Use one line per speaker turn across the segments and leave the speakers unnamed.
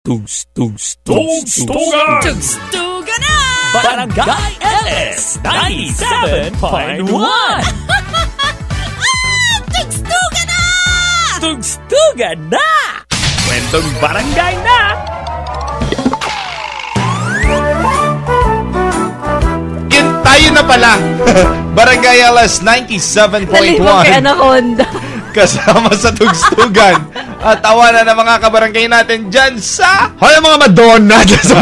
Tugstugan na! Barangay LS 97.1 Tugstugan na! Tugstugan na! Kwentong barangay na!
Yun, tayo na pala. Barangay LS 97.1
Nalibang kay Anaconda.
Kasama sa tugstugan. At tawanan ng mga kabarangay natin dyan sa...
Hoy, mga Madonna dyan sa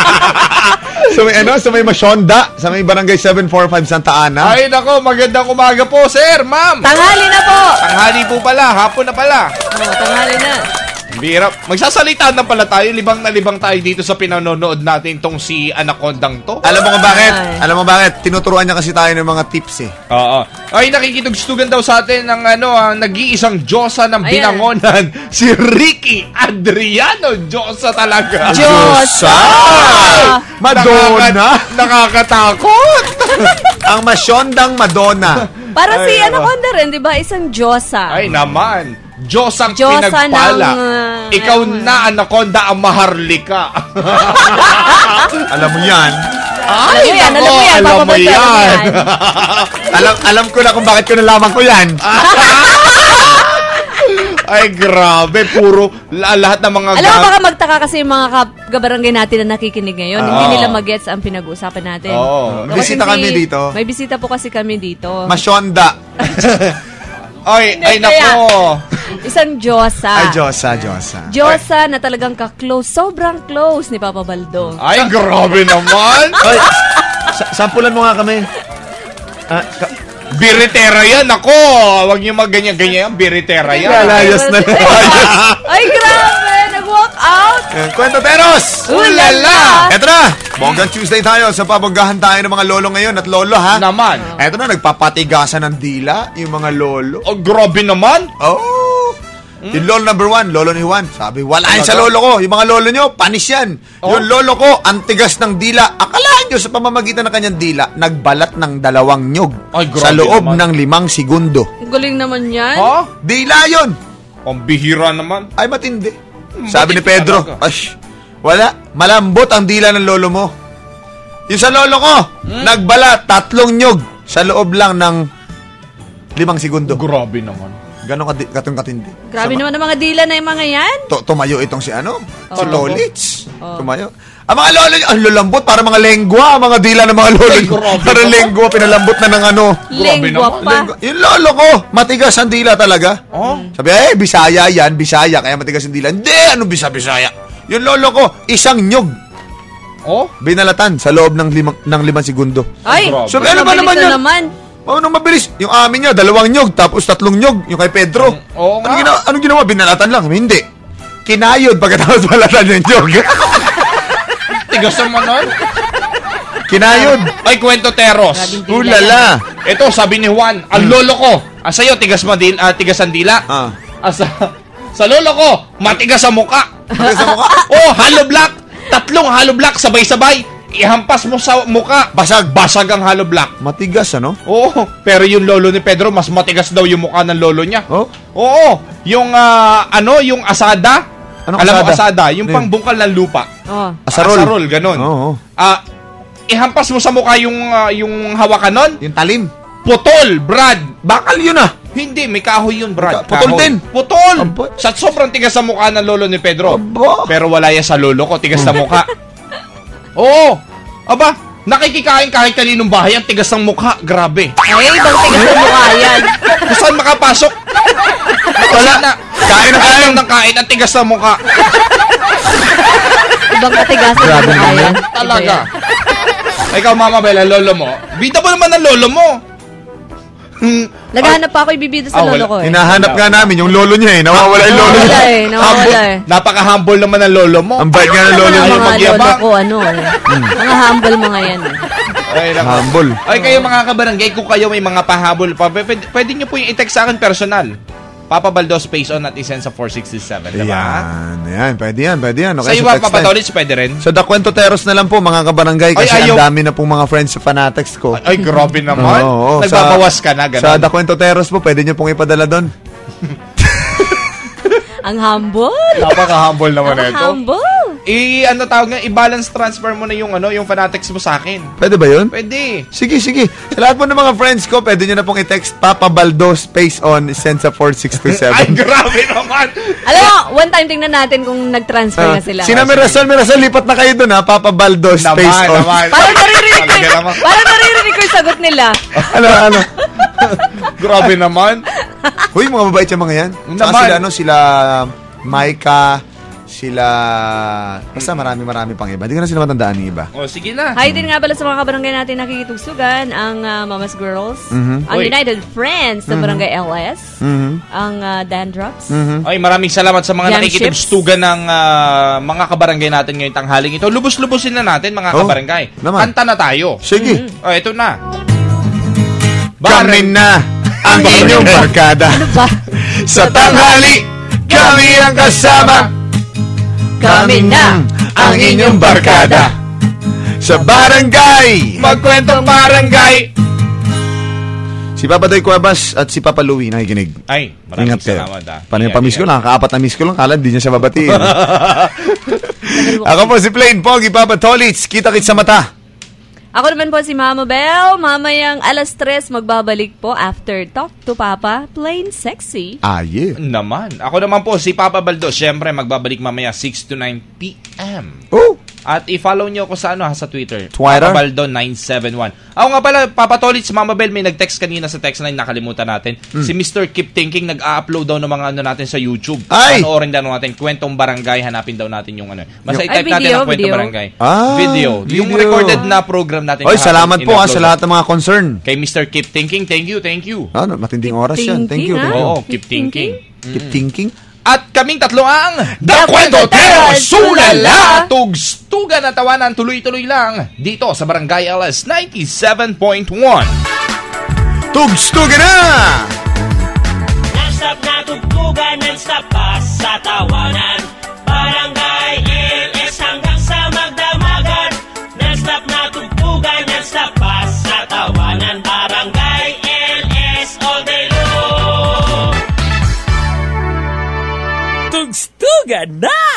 sa may Masyonda, sa may Barangay 745 Santa Ana.
Ay, nako, magandang umaga po, sir, ma'am.
Tanghali na po.
Tanghali po pala, hapon na pala.
Tanghali na.
Bira. Magsasalita na pala tayo, libang na libang tayo dito sa pinanonood natin tong si Anacondang to.
Alam mo kung bakit? Alam mo bakit? Tinuturuan niya kasi tayo ng mga tips eh.
Oo. Ay, nakikitugstugan daw sa atin ng nag-iisang Diyosa ng binangonan, si Ricky Adriano. Diyosa talaga.
Diyosa!
Madonna!
Nakakatakot!
Ang Masyondang Madonna.
Para si Anaconda rin, di ba? Isang Diyosa.
Ay, naman. Diyos ang
Diyosa
pinagpala.
ng,
Ikaw na, Anaconda, ang maharlika.
Alam mo yan.
Ay,
alam mo yan.
Alam mo yan.
alam ko na kung bakit ko nalaman ko yan.
Ay, grabe. Puro lahat ng mga...
Alam mo, baka magtaka kasi yung mga kabarangay natin na nakikinig ngayon. Hindi nila mag-gets ang pinag-uusapan natin.
Oo.
Bisita kami dito.
May bisita po kasi kami dito.
Masyonda.
Ay, nako.
Isang Diyosa.
Ay, Diyosa.
Diyosa na talagang ka-close. Sobrang close ni Papa Baldo.
Ay, grabe naman.
Ay, sampulan mo nga kami.
Biritera yan, ako. Huwag niyo magganyan-ganyan. Biritera yan.
Lalayas na.
Ay, grabe. Nag-walk out.
Kwento Teros!
Ulala!
Eto na! Bonggang Tuesday tayo sa pabonggahan tayo ng mga lolo ngayon at lolo, ha?
Naman.
Eto na, nagpapatigasan ng dila yung mga lolo.
Oh, grabe naman.
Oh! Yung lolo number 1, lolo ni Juan. Sabi, wala yan sa lolo ko. Yung mga lolo nyo, panis yan. Yung lolo ko, ang tigas ng dila. Akalaan nyo sa pamamagitan ng kanyang dila, nagbalat ng 2 nyog sa loob ng 5 segundo.
Galing naman yan.
Ha?
Dila yun!
Ang bihira naman.
Ay, matindi. Sabi ni Pedro,
talaga.
wala. Malambot ang dila ng lolo mo. Yung sa lolo ko, nagbalat 3 nyog sa loob lang ng 5 segundo.
Grabe naman.
Ganon katindi.
Grabe naman ang mga dila na yung mga yan.
Tumayo itong si si Tolits. Tumayo. Ang mga lolo nyo, ang lulambot, para mga lengwa, ang mga dila ng mga lolo nyo. Para lengwa, pinalambot na ng
Lengwa pa.
Yung lolo ko, matigas ang dila talaga. Sabi, Bisaya yan, Bisaya, kaya matigas ang dila. Hindi, anong Bisaya? Yung lolo ko, 1 nyog. Binalatan sa loob ng 5 segundo.
Ay,
sabi, ano ba naman yan? Anong mabilis? Yung amin niya, 2 nyog, tapos 3 nyog, yung kay Pedro.
Oo nga.
Anong ginawa? Binalatan lang. Hindi. Kinayod pagkatapos balatan yung nyog.
Tigas naman nun.
Kinayod.
Ay, kwento Teros.
Ulala.
Ito, sabi ni Juan, ang lolo ko. Sa'yo, tigas ang dila. Sa lolo ko, matigas ang muka.
Matigas ang muka?
Hollow block. 3 hollow block, sabay-sabay. Ihampas mo sa muka. Basag ang hollow block.
Matigas, ano?
Oo, pero yung lolo ni Pedro, mas matigas daw yung mukha ng lolo niya. Oo, yung yung asada.
Anong
alam
asada?
mo asada, yung pangbungkal ng lupa. Asarol, ganun. Ihampas mo sa mukha yung hawakan nun.
Yung talim.
Putol, Brad.
Bakal yun ah.
Hindi, may kahoy yun, Brad.
Putol din.
Putol. Sa sobrang tigas sa mukha ng lolo ni Pedro. Pero wala yan sa lolo ko, tigas sa mukha. Oo. Aba, nakikikain kahit kaninong bahay, ang tigas ng mukha. Grabe.
Ay, ibang tigas ng mukha yan.
Saan makapasok? Wala na. Kain ng kain, ang tigas ng mukha.
Ibang katigasan ng mukha yan.
Talaga. Ikaw, Mama Bella, lolo mo. Bida mo naman ang lolo mo.
Naghahanap pa ako ibibida sa lolo ko eh.
Hinahanap nga namin yung lolo niya eh. Nawawala yung lolo niya.
Nawawala eh.
Napaka-humble naman ng lolo mo.
Ang bait nga ng lolo niya.
Mga lolo ko, mga humble mga yan eh.
Humble.
Ay, kayo mga kabarangay, kung kayo may mga pahabol pa, pwede nyo po yung i-text sa akin personal. Papa Baldo space on at isend sa 467, diba?
Yan, pwede yan. Okay,
sa iba, Papa Tolits, pwede rin?
So, The Kwento Teros na lang po, mga kabarangay, kasi ang dami na pong mga friends sa Fanatics ko.
Ay, grabe naman. Nagbabawas ka na, gano'n.
Sa The Kwento Teros po, pwede nyo pong ipadala doon.
Ang humble.
Napaka-humble naman ito.
Humble.
ano tawag nga, i-balance transfer mo na yung yung fanatics mo sa akin.
Pwede ba yun?
Pwede.
Sige. Sa lahat po ng mga friends ko, pwede nyo na pong i-text Papa Baldo space on, send sa 4627.
Ay, grabe naman.
Alam mo, one time tingnan natin kung nag-transfer na sila.
Sina Mirasol, lipat na kayo doon ha, Papa Baldo space on.
Naman.
Parang naririnig
Talaga naman.
ko yung sagot nila.
Ano?
Grabe naman.
Uy, mga mabait yung mga yan. Saka
Naman.
sila Maika, basta marami pang iba. Hindi ko na sila matandaan ng iba.
O, sige na.
Hi din nga pala sa mga kabarangay natin nakikitugsugan, ang Mama's Girls, ang
Uy.
United Friends ng Barangay LS, ang Dandrops.
Ay, maraming salamat sa mga
Yan,
nakikitugstugan ng mga kabarangay natin ngayong tanghaling ito. Lubos-lubosin na natin, mga kabarangay.
Naman.
Kanta na tayo.
Sige.
O, ito na.
Kami na ang inyong barkada.
Ano ba?
Sa tanghali, kami ang kasama.
Kami na
ang inyong barkada. Sa barangay.
Magkwentong barangay.
Si Papa Doy Cuevas at si Papa Louie nakikinig.
Ay, maraming
Ingat kayo.
salamat.
Paano yung pamiss ko lang? Kaapat na miss ko lang. Kala, di niya siya babatiin. Ako po si Plain Pogi, Papa Tolits. Kita-kit sa mata.
Ako naman po si Mama Belle. Mamayang 3:00 magbabalik po after Talk to Papa, Plain Sexy.
Yeah.
Naman. Ako naman po, si Papa Baldo. Siyempre, magbabalik mamaya 6 to 9 p.m.
Oh!
At i-follow nyo ako sa sa Twitter.
Twitter?
Papa Baldo 971. Ako nga pala, Papa Tolit, si Mama Bell, may nag-text kanina sa text line, nakalimutan natin. Si Mr. Keep Thinking, nag-upload daw ng mga natin sa YouTube.
Ay!
Panoorin daw natin, Kwentong Barangay, hanapin daw natin yung Basta
Ay,
i-type natin
video,
ang Kwentong
video.
Barangay.
Video.
Yung recorded na program natin.
Oy,
kahapon,
salamat po
in-upload
sa lahat ng mga concern.
Kay Mr. Keep Thinking, thank you.
Ano, matinding oras yan. Thank you.
Thinking,
Oo,
ah.
Keep Thinking.
Keep thinking.
At kaming tatlo ang
The Kwentotero, Sulala!
Tugstugan at tawanan tuloy-tuloy lang dito sa Barangay LS 97.1.
Tugstugan na!
Non-stop na tugtugan, non-stop pa sa tawanan. Barangay LS hanggang sa magdamagan. Non-stop na tugtugan, non-stop pa sa tawanan. Barangay LS all day long.
Tugstugan na!